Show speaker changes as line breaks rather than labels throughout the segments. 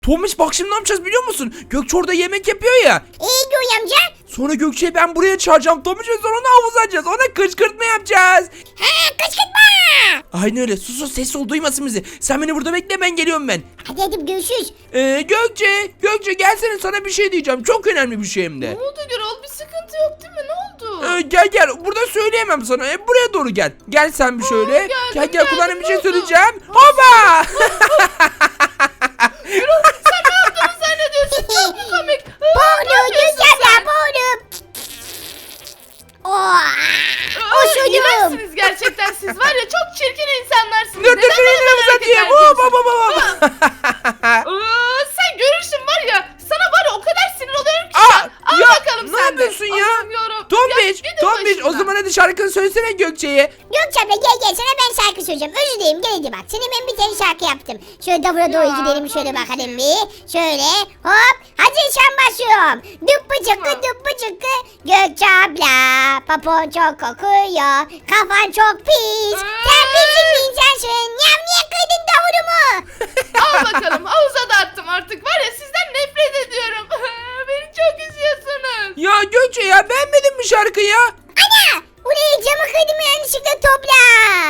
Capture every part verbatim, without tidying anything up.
Tomiş bak şimdi ne yapacağız biliyor musun? Gökçe orada yemek yapıyor ya.
İyi Göğe amca.
Sonra Gökçe'yi ben buraya çağıracağım Tomiş ve sonra onu havuza atacağız. Ona kışkırtma yapacağız.
He kışkırtma.
Aynen öyle. Sus sus ses ol duymasın bizi. Sen beni burada bekle ben geliyorum ben.
Hadi hadi görüşürüz.
Ee, Gökçe, Gökçe gelsene sana bir şey diyeceğim. Çok önemli bir şey hem de.
Ne oldu Gürol? Bir sıkıntı yok değil mi? Ne oldu?
Ee, gel gel burada söyleyemem sana. Ee, buraya doğru gel. Gel sen bir şöyle.
geldim,
gel gel
geldim,
kulağına bir
ne
şey
oldu?
söyleyeceğim. Hopa!
Gürol sen ne yaptığını zannediyorsun? Çok mu komik? Aa, ne
Boğdum
yapıyorsun
Göğe
sen?
amca boğdum. Oo.
Aa,
Osurdum.
iğrençsiniz gerçekten siz var ya çok çirkin insanlarsınız.
Dur dur
Neden
şunu
böyle
elime
hareket
satayım.
ediyorsun?
Hop hop hop hop.
Aa, sen görürsün var ya sana var ya o kadar sinir oluyorum ki.
Aa,
sen. Al
ya,
bakalım
ne
sen de.
yapıyorsun ya?
Allah'ım yarabbim.
Tombiş,
Ya, gidin
Tombiş o
başımdan.
zaman hadi şarkını söylesene Gökçe'ye.
Gökçe abla gel gel sana ben şarkı söyleyeceğim. Özür dilerim gel hadi bak. Senin ben bir tane şarkı yaptım. Şöyle davula doğru
Ya,
gidelim şöyle
tabii
bakalım
ki.
bir. Şöyle hop. Hadi şan başlıyorum. Düppü çıkkı
Tamam.
düppü çıkkı. Gökçe abla. Papon çok kokuyor. Kafan çok pis. Sen bizim insansın. Yam niye kıydın davulumu?
Al bakalım havuza da attım artık var ya sizden nefret ediyorum. Beni çok üzüyorsunuz.
Ya Gökçe ya beğenmedin mi şarkıyı?
Ana. Buraya camı kırdım yanlışlıkla topla.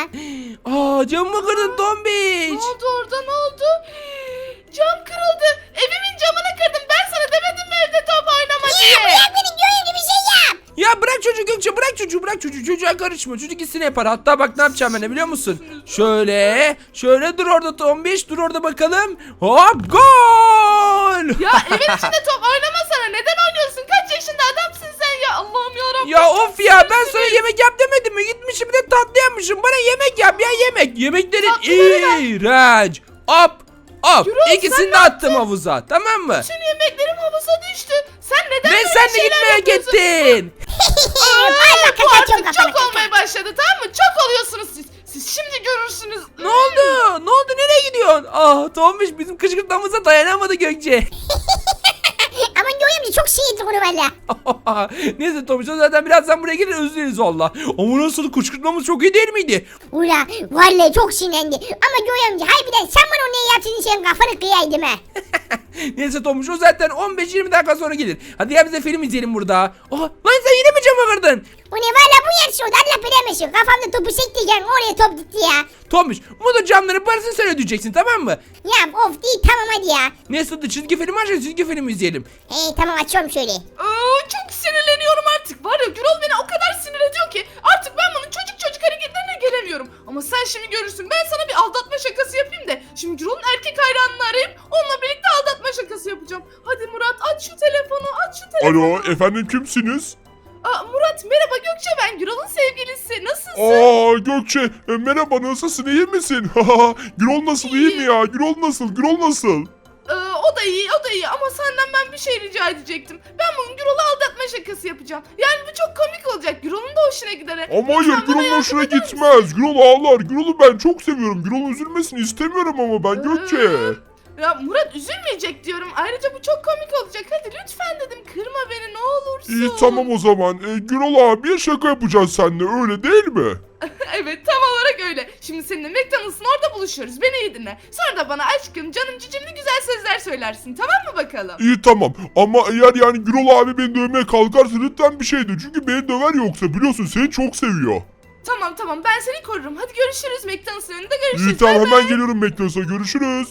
Aa camımı kırdın Tombiş.
Ne oldu orada ne oldu? Cam kırıldı. Evimin camını kırdım. Ben sana demedim mi evde top oynama
Ya
diye.
bırak beni görevli bir şey yap.
Ya bırak çocuğu Gökçe bırak çocuğu bırak çocuğu çocuğa karışma çocuk gitsin yapar hatta bak ne yapacağım ben de biliyor musun? Şöyle şöyle dur orada Tombiş dur orada bakalım hop gol!
Ya evin içinde top oynamasana. Neden oynuyorsun? Kaç yaşında adamsın sen ya? Allah'ım yarabbim.
Ya of ya ben sana
sinir.
yemek yap demedim mi gitmişim bir de tatlı yapmışım bana yemek yap ya yemek yemeklerin
Tatlıları ver.
iğrenç hop hop
Gürol, sen
ikisini
ne
de attım havuza tamam mı?
Bütün yemeklerim havuza düştü. Sen neden
Ve
böyle
sen de
şeyler
gitmeye
yapıyorsun?
gittin.
Ay bak
Bu
kaçıyorum
artık
kafana.
çok olmaya başladı tamam mı? Çok oluyorsunuz siz. Siz şimdi görürsünüz.
Ne oldu? Ne oldu? Nereye gidiyorsun? Ah Tombiş bizim kışkırtmamıza dayanamadı Gökçe.
Ama görüyorum çok sinirli konu valla.
Neyse Tombiş o zaten birazdan buraya gelir özür dileriz valla. Ama nasıl kışkırtmamız çok iyi değil miydi?
Ula vallahi çok sinirlendi. Ama görüyorum harbiden sen bana onu ne yaptın sen kafanı kıyaydım ha.
Neyse Tombiş o zaten on beş yirmi dakika sonra gelir. Hadi ya bize film izleyelim burada. Aha, lan sen yine mi camı kırdın?
O ne valla bu yarışı oldu Allah bilemesin. Kafamda topu sektirken oraya top gitti ya.
Tombiş bu da camların parasını sen ödeyeceksin tamam mı?
Ya of değil tamam hadi ya.
Neyse hadi çizgi film aç çizgi film izleyelim.
Hey tamam açıyorum şöyle.
Aa, çok sinirleniyorum artık. Var ya Gürol beni o kadar sinir ediyor ki artık ben bunun çocuk çocuk hareketlerine gelemiyorum. Ama sen şimdi görürsün. Ben sana bir aldatma şakası yapayım da. Şimdi Gürol'un erkek hayranını arayıp onunla birlikte aldatma şakası yapacağım. Hadi Murat aç şu telefonu aç şu telefonu.
Alo efendim kimsiniz?
Aa, Murat merhaba Gökçe ben Gürol'un sevgilisi. Nasılsın?
Aa Gökçe e, merhaba nasılsın iyi misin? Gürol nasıl iyi mi ya? Gürol nasıl? Gürol nasıl?
Ee, o da iyi o da iyi ama senden ben bir şey rica edecektim. Ben bugün Gürol'u aldatma şakası yapacağım. Yani bu çok komik olacak. Gürol'un da hoşuna gider. he.
Ama hayır
Lütfen bana
Gürol'un
yardım
hoşuna
eder misin?
gitmez. Gürol ağlar. Gürol'u ben çok seviyorum. Gürol üzülmesini istemiyorum ama ben Gökçe.
Ya Murat üzülmeyecek diyorum. Ayrıca bu çok komik olacak. Hadi lütfen dedim kırma beni ne olursun.
İyi tamam o zaman. E, Gürol abiye şaka yapacağız seninle öyle değil mi?
Evet tam olarak öyle. Şimdi seninle McDonald's'ın orada buluşuyoruz. Beni iyi dinle. Sonra da bana aşkım canım cicimli güzel sözler söylersin. Tamam mı bakalım?
İyi tamam ama eğer yani Gürol abi beni dövmeye kalkarsa lütfen bir şey de. Çünkü beni döver yoksa biliyorsun seni çok seviyor.
Tamam tamam ben seni korurum. Hadi görüşürüz McDonald's'ın önünde görüşürüz.
İyi tamam
Bay
hemen
bay.
geliyorum McDonald's'a görüşürüz.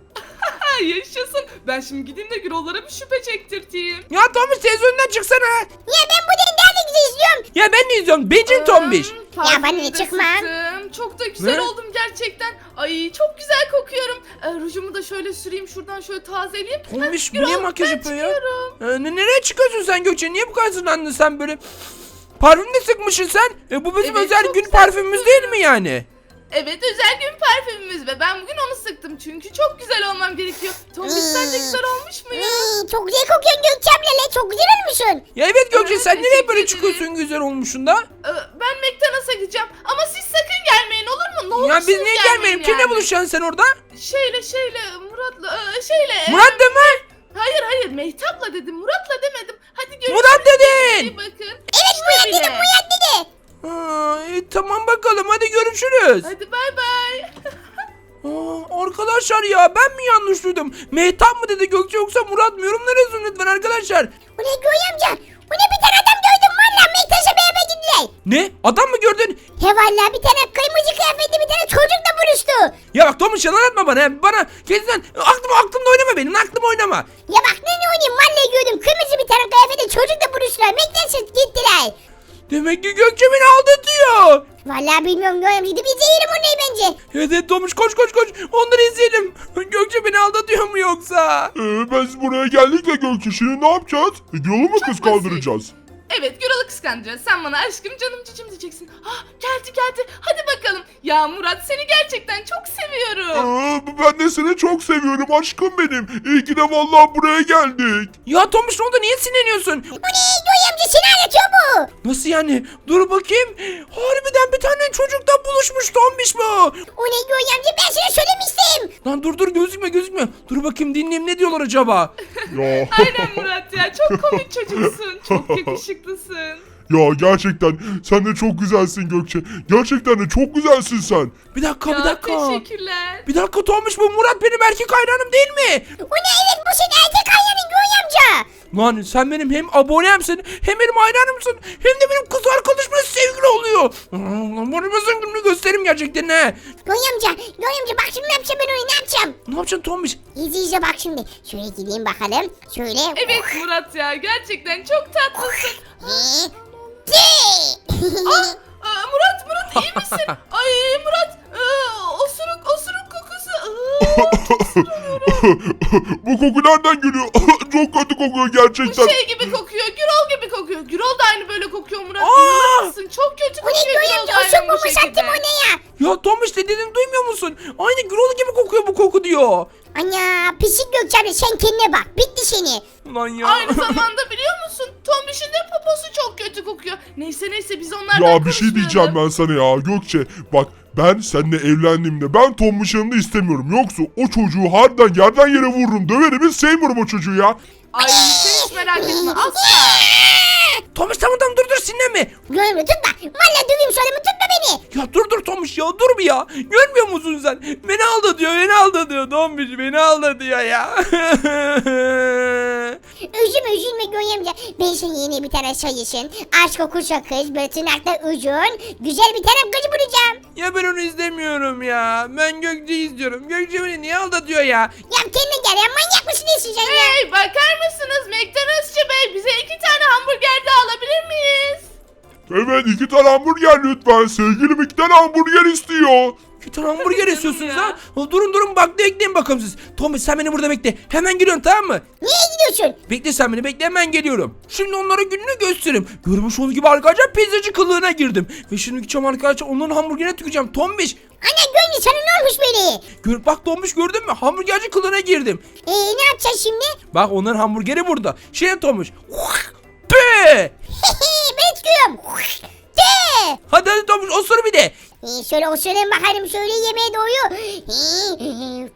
Ha, yaşasın. Ben şimdi gideyim de Gürol'lara bir şüphe çektirteyim.
Ya Tombiş televizyondan çıksana.
Ya ben bu nerede güzel izliyorum.
Ya ben de izliyorum. Becin Tombiş.
Hmm,
Ya bana
parfümü
ne
de
çıkma.
sıktım. Çok da güzel
Ne?
oldum gerçekten. Ay çok güzel kokuyorum. Ee, rujumu da şöyle süreyim şuradan şöyle tazeleyeyim.
Tombiş bu
Gürol,
niye makyaj
ben
yapıyor ya?
çıkıyorum.
Ee, ne- nereye çıkıyorsun sen Gökçe? Niye bu kadar sinirlendin sen böyle? Parfüm de sıkmışsın sen. E, bu bizim
Evet,
özel
çok
gün
güzel
parfümümüz değil mi yani?
Evet özel gün parfümümüz ve ben bugün onu sıktım çünkü çok güzel olmam gerekiyor. Tombiş sence güzel olmuş muyum?
Hmm, çok güzel kokuyorsun Gökçe abla le çok güzel olmuşsun.
Ya evet Gökçe
Evet,
sen nereye
teşekkür
böyle
ederim.
çıkıyorsun güzel olmuşsun da?
Ee, ben McDonald's'a gideceğim ama siz sakın gelmeyin olur mu? Ne olursunuz
Ya biz niye
gelmeyin
gelmeyelim? Kimle
yani.
buluşacaksın sen orada?
Şeyle şeyle Murat'la e, şeyle.
Murat da mı?
Hayır hayır Mehtap'la dedim Murat'la demedim. Hadi görüşürüz.
Murat dedin.
İyi bakın.
Evet
İşte
Murat
bile.
dedim Murat dedi.
Ha, e, tamam bakalım hadi görüşürüz.
Hadi bay bay.
Aa, arkadaşlar ya ben mi yanlış duydum? Mehtap mı dedi Gökçe yoksa Murat mı? Yorumlara yazın lütfen arkadaşlar.
Bu ne Göğe amca? Bu ne bir tane adam gördüm valla. Mektaş'a beraber gittiler.
Ne? Adam mı gördün?
He valla bir tane kırmızı kıyafetli bir tane çocukla buluştu.
Ya bak Tomuş yalan atma bana. ya. Bana kesin aklım aklımda oynama benim. Aklım oynama.
Ya bak ne ne oynayayım valla gördüm. Kırmızı bir tane kıyafetli çocukla buluştular. Mektaş'a gittiler.
Demek ki Gökçe beni aldatıyor.
Valla bilmiyorum Göğe amca. Gidip izleyelim onu bence.
Evet evet Tomuş koş koş koş. Onları izleyelim. Gökçe beni aldatıyor mu yoksa?
Ee, biz buraya geldik de Gökçe şimdi ne yapacağız? E, Gürol'u mu kız kaldıracağız?
Evet Gürol'u kıskanacağız. Sen bana aşkım canım cicim diyeceksin. Ah geldi geldi. Hadi bakalım. Ya Murat seni gerçekten çok seviyorum.
Ee, ben de seni çok seviyorum aşkım benim. İyi ki de vallahi buraya geldik.
Ya Tomuş ne oldu? Niye sinirleniyorsun?
Bu ne Göğe amca seni anlatıyor bu.
Nasıl yani? Dur bakayım. Harbiden bir tane çocukla buluşmuş Tombiş bu.
O ne Göğe amca ben sana söylemiştim.
Lan dur dur gözükme gözükme. Dur bakayım dinleyeyim ne diyorlar acaba?
Ya.
Aynen Murat ya. Çok komik çocuksun. Çok yakışıklısın.
Ya gerçekten sen de çok güzelsin Gökçe. Gerçekten de çok güzelsin sen.
Bir dakika bir
Ya
dakika.
teşekkürler.
Bir dakika Tombiş bu Murat benim erkek hayranım değil mi?
O ne evet bu senin erkek hayranın Göğe amca.
Lan sen benim hem abonemsin hem benim hayranımsın hem de benim kız arkadaşımla sevgili oluyor. Lan bunu ben gününü göstereyim gerçekten ne?
Göğe amca, Göğe amca bak şimdi ne yapacağım ben onu ne yapacağım?
Ne yapacaksın Tombiş?
İzle izle bak şimdi. Şöyle gideyim bakalım. Şöyle.
Evet Murat ya. Gerçekten çok tatlısın.
He. De.
Aa, Murat Murat iyi misin? Ay Murat aa, osuruk osuruk kokusu. Aa,
Bu koku nereden geliyor? Çok kötü kokuyor gerçekten.
şey gibi kokuyor. Gürol gibi kokuyor. Gürol da aynı böyle kokuyor Murat.
Aa!
İnanır mısın? Çok kötü
Bu ne
kokuyor.
Göğe
Gürol
amca
da
o
aynı
çok
bu
bulmuş
şekilde.
attım o ne ya?
Ya Tombiş dediğini duymuyor musun? Aynı Gürol gibi kokuyor bu koku diyor.
Ana pisik Gökçe sen kendine bak. Bitti seni.
Ulan ya.
Aynı zamanda biliyor musun? Tombiş'in de poposu çok kötü kokuyor. Neyse neyse biz onlardan
Ya bir şey diyeceğim
konuşmayalım.
ben sana ya Gökçe. Bak ben seninle evlendiğimde ben Tom'un yanında istemiyorum. Yoksa o çocuğu harbiden yerden yere vururum. Döverim hiç sevmiyorum o çocuğu ya.
Ay sen hiç merak etme asla.
Tombiş tamam tamam dur dur sinirlenme.
Göğe amca tutma. Valla döveyim sonra mı tutma beni.
Ya dur dur Tombiş ya dur bir ya. Görmüyor musun sen? Beni aldatıyor beni aldatıyor Tombiş beni aldatıyor ya.
Üzülme üzülme Göğe amca. Ben sana yeni bir tane sayısın. Aşk kokusu kız. Böyle tırnakta uzun. Güzel bir tane kız bulacağım.
Ya ben onu izlemiyorum ya. Ben Gökçe'yi istiyorum. Gökçe beni niye aldatıyor ya?
Ya kendine gel ya manyak mısın nesin sen ya?
Hey bakar mısınız McDonald'sçı bey bize iki tane hamburger de alabilir miyiz?
Evet iki tane hamburger lütfen. Sevgilim iki tane hamburger istiyor.
Bir tane hamburger
canım
istiyorsunuz
ya.
ha? Ha, Durun durun bak bekleyin bakalım siz. Tombiş sen beni burada bekle. Hemen geliyorum tamam mı?
Niye gidiyorsun?
Bekle sen beni bekle hemen geliyorum. Şimdi onlara gününü göstereyim. Görmüş olduğunuz gibi arkadaşlar pizzacı kılığına girdim. Ve şimdi gideceğim arkadaşlar onların hamburgerine tüküreceğim. Tombiş.
Ana Göğe sana ne olmuş böyle?
Gör, bak Tombiş gördün mü? Hamburgerci kılığına girdim.
Eee ne yapacağız şimdi?
Bak onların hamburgeri burada. Şey Tombiş. Be!
Ben çıkıyorum. De.
Hadi hadi Tombiş osur bir de.
Ee, şöyle osurayım bakalım şöyle yemeğe doğuyor. Ee,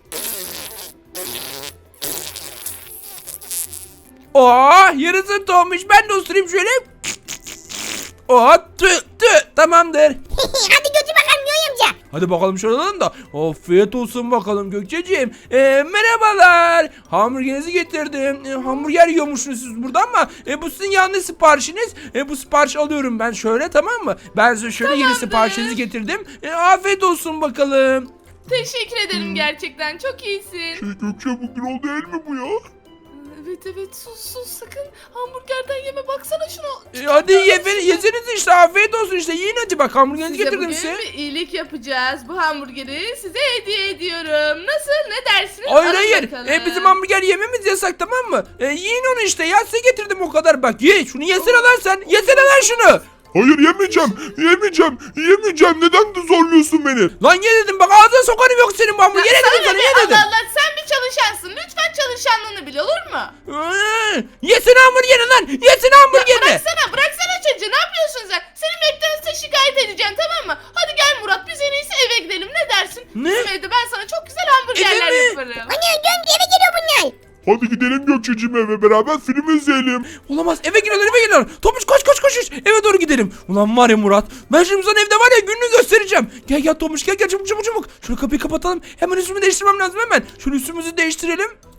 Oh yarısın Tombiş ben de osurayım şöyle. Oh tü tü tamamdır.
Hadi götür bakalım Göğe amca.
Hadi bakalım şuradan da. Afiyet olsun bakalım Gökçeciğim. Ee, merhabalar. Hamburgerinizi getirdim. Ee, hamburger yiyormuşsunuz siz burada ama e, bu sizin yanlış siparişiniz. E, bu sipariş alıyorum ben şöyle tamam mı? Ben size şöyle yeni
Tamamdır.
siparişinizi getirdim. E, afiyet olsun bakalım.
Teşekkür ederim gerçekten çok iyisin.
Şey Gökçe bu Gürol değil mi bu ya?
Evet evet sus sus sakın hamburgerden yeme baksana şunu.
E, hadi ye, yeseniz işte afiyet olsun işte yiyin hadi bak hamburgerinizi
Size
getirdim
bugün
size.
bir iyilik yapacağız. Bu hamburgeri size hediye ediyorum. Nasıl? Ne dersiniz?
Hayır
Alın
hayır.
bakalım.
E, bizim hamburger yememiz yasak tamam mı? E, yiyin onu işte ya size getirdim o kadar bak ye şunu yesene lan sen yesene lan şunu.
Hayır yemeyeceğim. Yemeyeceğim. Yemeyeceğim. Neden de zorluyorsun beni?
Lan ye dedim bak ağzına sokarım yok senin bu hamburgeri
Ya
dedim
sana
sana
ne?
ye dedim.
Allah Allah sen bir çalışansın. Lütfen çalışanlığını bil olur mu?
Ee, Yesene hamburgeri lan yesene
Ya
hamburgeri.
bıraksana bıraksana çocuğu ne yapıyorsun sen? Seni McDonald's'a şikayet edeceğim tamam mı? Hadi gel Murat biz en iyisi eve gidelim ne dersin?
Ne?
Bizim evde ben sana çok güzel hamburgerler
Eve mi?
yaparım.
Ana Göğe amca eve geliyor bunlar.
Hadi gidelim Gökçeciğim eve beraber film izleyelim.
Olamaz eve giriyorlar eve giriyorlar. Tomuş koş koş koş koş. Eve doğru gidelim. Ulan var ya Murat. Ben şimdi sana evde var ya gününü göstereceğim. Gel gel Tomuş gel gel çabuk çabuk çabuk. Şunu kapıyı kapatalım. Hemen üstümü değiştirmem lazım hemen. Şunu üstümüzü değiştirelim.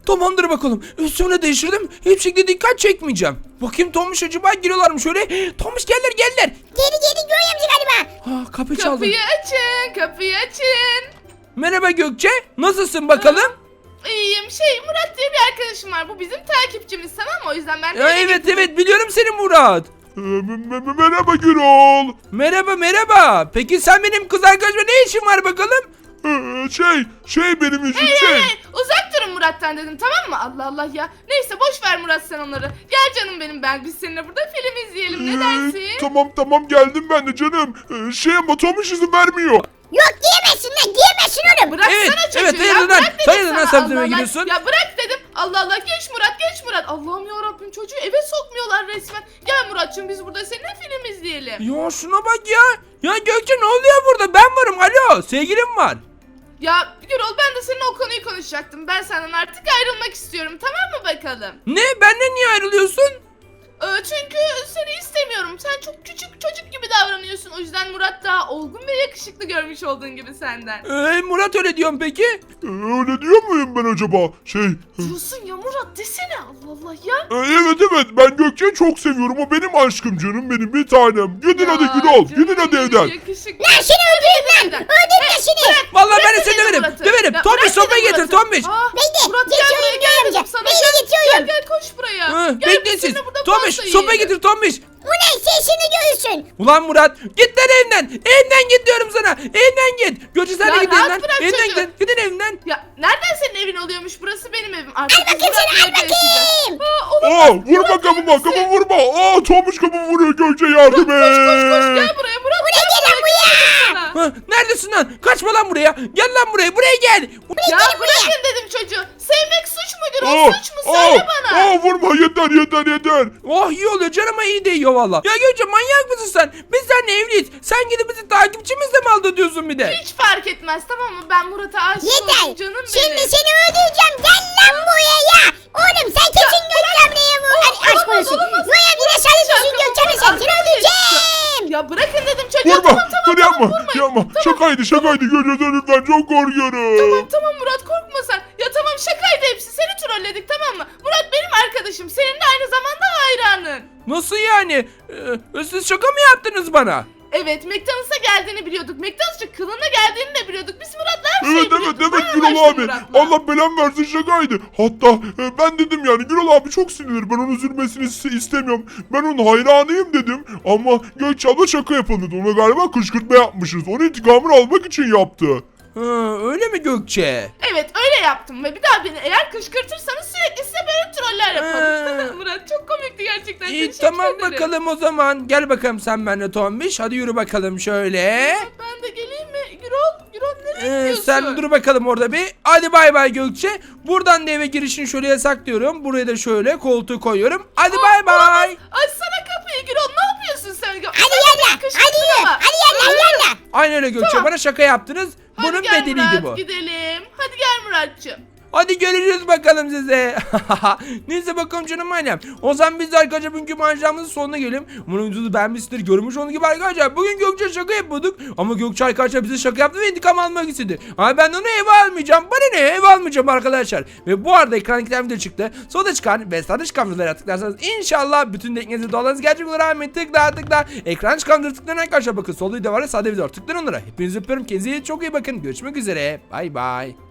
Tamamdır bakalım. Üstümü de değiştirdim. Hiçbir şekilde dikkat çekmeyeceğim. Bakayım Tomuş acaba giriyorlar mı şöyle? Tomuş geldiler geldiler.
Geri geri Göğe amca galiba.
Ha, kapı çaldı.
Kapıyı açın, kapıyı açın.
Merhaba Gökçe. Nasılsın bakalım?
İyiyim. Şey Murat diye bir arkadaşım var. Bu bizim takipçimiz, tamam mı? O yüzden ben de
Ya,
eve
evet
getirdim.
evet biliyorum seni Murat.
Ee, me- me- merhaba Gürol.
Merhaba merhaba. Peki sen benim kız arkadaşıma ne işin var bakalım?
Ee, şey, şey benim için şey.
Hey, uzak durun Murat'tan dedim, tamam mı? Allah Allah ya. Neyse boş ver Murat sen onları. Gel canım benim, ben biz seninle burada film izleyelim. Ne
Ee,
dersin?
Tamam tamam geldim ben de canım. Ee, şey ama Tomuş izin vermiyor.
Yok giyemezsin lan giyemezsin oğlum.
Bıraksana
Evet,
çocuğu
evet,
ya.
hayırdır lan?
Bırak dedim
Hayırdır lan
sana.
sen
Allah
filme
Allah.
gidiyorsun?
Ya bırak dedim. Allah Allah, geç Murat geç Murat. Allah'ım ya Rabbim, çocuğu eve sokmuyorlar resmen. Gel Muratçım, biz burada seninle film izleyelim.
Ya şuna bak ya. Ya Gökçe ne oluyor burada? Ben varım. Alo sevgilim var.
Ya Gürol, ben de seninle o konuyu konuşacaktım. Ben senden artık ayrılmak istiyorum, tamam mı bakalım?
Ne? Benden niye ayrılıyorsun?
Ee, çünkü seni istemiyorum. Sen çok küçük çocuk gibi davranıyorsun. O yüzden Murat daha olgun ve yakışıklı görmüş olduğun gibi senden.
Ee, Murat öyle diyorum peki.
Ee, öyle diyor muyum ben acaba? Şey,
Diyorsun ya Murat, desene Allah Allah ya.
e, evet evet ben Gökçe'yi çok seviyorum. O benim aşkım canım benim bir tanem. Gidin
Ya,
hadi Gürol.
canım
Gidin hadi
benim,
evden.
yakışıklı.
Lan seni öldürürüm lan.
Evden.
Öldürürüm lan seni.
Vallahi ben de
Bırak
seni
dedim
döverim.
Murat'ı.
Döverim.
Ya
Tombiş
bırak
sopayı
dedim
getir
Murat'ı.
Tombiş.
Aa,
Bekle,
Murat gel
geçiyorum
buraya,
Göğe
gel
amca.
dedim sana.
Bekle,
Gel,
geçiyorum.
Gel gel koş buraya.
Hı,
Gel biz
bekle siz.
seninle burada
Tombiş
pasta
sopayı
yiyelim.
getir Tombiş.
Ulan sesini görürsün.
Ulan Murat git lan evden. Evden git diyorum sana. Evden git. Gökçe sen
Ya
de git
rahat
evden.
bırak
Evden
çocuğu.
gidin. Gidin evden.
Ya nereden senin evin oluyormuş? Burası benim evim. Artık
Al bakayım
biz
seni, al
Murat'la evde yaşayacağız.
bakayım.
Aa, olamaz.
Aa vurma kapıma kapımı vurma. Aa Tomuş kapımı vuruyor Gökçe yardım et.
Koş koş koş, gel buraya Murat. Buraya
gel lan buraya.
Ha, neredesin lan? Kaçma lan buraya. Gel lan buraya. Buraya gel.
Ya bırakın dedim çocuğu. Sevmek suç mudur?
Aa,
O suç mu? Söyle bana.
Aa vurma yeter yeter yeter.
Oh iyi oluyor canıma iyi değiyor valla. Ya Gökçe manyak mısın sen? Biz seninle evliyiz. Sen gidip bizi takipçimizle mi aldatıyorsun bir de?
Hiç fark etmez, tamam mı? Ben Murat'a aşık oldum
Yeter.
canım
Şimdi
benim.
seni öldüreceğim. Gel lan buraya ya. Oğlum sen kesin Gökçe ablaya vur.
Ol-
Hadi aşk
olamaz,
olsun.
olamaz.
Göğe amca ne sarılıyorsun Gökçe abla sen. Seni öldüreceğim.
Ya bırakın dedim çocuğa.
Vurma.
Tamam tamam
Dur
tamam,
yapma.
vurmayın.
Yapma. Şakaydı şakaydı Gökçe lütfen çok korkuyorum.
Tamam tamam Murat, korkma sen. Ya tamam, şakaydı hepsi. Seni trolledik, tamam mı? Murat benim arkadaşım. Senin de aynı zamanda hayranın.
Nasıl yani? Ee, siz şaka mı yaptınız bana?
Evet, McDonald's'a geldiğini biliyorduk. McDonald's'a kılığına geldiğini de biliyorduk. Biz Murat'la her şeyi
Evet evet
biliyorduk.
evet
Ben
Gürol
anlaştım
abi.
Murat'la.
Allah belamı versin şakaydı. Hatta e, ben dedim yani Gürol abi çok sinirli. Ben onun üzülmesini is- istemiyorum. Ben onun hayranıyım dedim. Ama Gökçe abla şaka yapalım dedi. Ona galiba kışkırtma yapmışız. Onun intikamını almak için yaptı.
Ha, öyle mi Gökçe?
Evet öyle yaptım ve bir daha beni eğer kışkırtırsanız sürekli size böyle troller yaparım.
Ee.
Murat çok komikti gerçekten.
İyi
Teşekkür
tamam
ederim.
bakalım o zaman. Gel bakalım sen benimle Tombiş. Hadi yürü bakalım şöyle.
Ben de geleyim mi? Gürol, Gürol nereye
Ee,
gidiyorsun?
sen dur bakalım orada bir. Hadi bay bay Gökçe. Buradan da eve girişini şöyle yasaklıyorum. Buraya da şöyle koltuğu koyuyorum. Hadi bay bay.
Açsana kapıyı Gürol, ne yapıyorsun sen?
Hadi yalla. Hadi yürü. Hadi yalla yalla.
Aynen öyle Gökçe.
Tamam.
Bana şaka yaptınız.
Hadi
Bunun
gel
bedeliydi
Murat,
bu.
gidelim. Hadi gel Muratçım.
Hadi görüşürüz bakalım size. Neyse bakalım canım ailem. O zaman biz de arkadaşlar bugünkü maceramızın sonuna gelelim. Umarım videoyu beğenmişsinizdir. Görmüş olduğunuz gibi arkadaşlar. Bugün Gökçe şaka yapıyorduk. Ama Gökçe arkadaşlar bize şaka yaptı ve intikam almak istedi. Ama ben onu eve almayacağım. Bana ne eve almayacağım arkadaşlar. Ve bu arada ekran iki video çıktı. Solda çıkan ve sağda çıkan videolara tıklarsanız inşallah bütün teknenizi dolarınız gerçek olur. Ahmet tıkla tıkla. Ekran çıkan videolara tıklayın arkadaşlar. Bakın solda video var ya sağda video var. Tıklayın onlara. Hepinizi öpüyorum. Kendinize çok iyi bakın. Görüşmek üzere. Bay bay.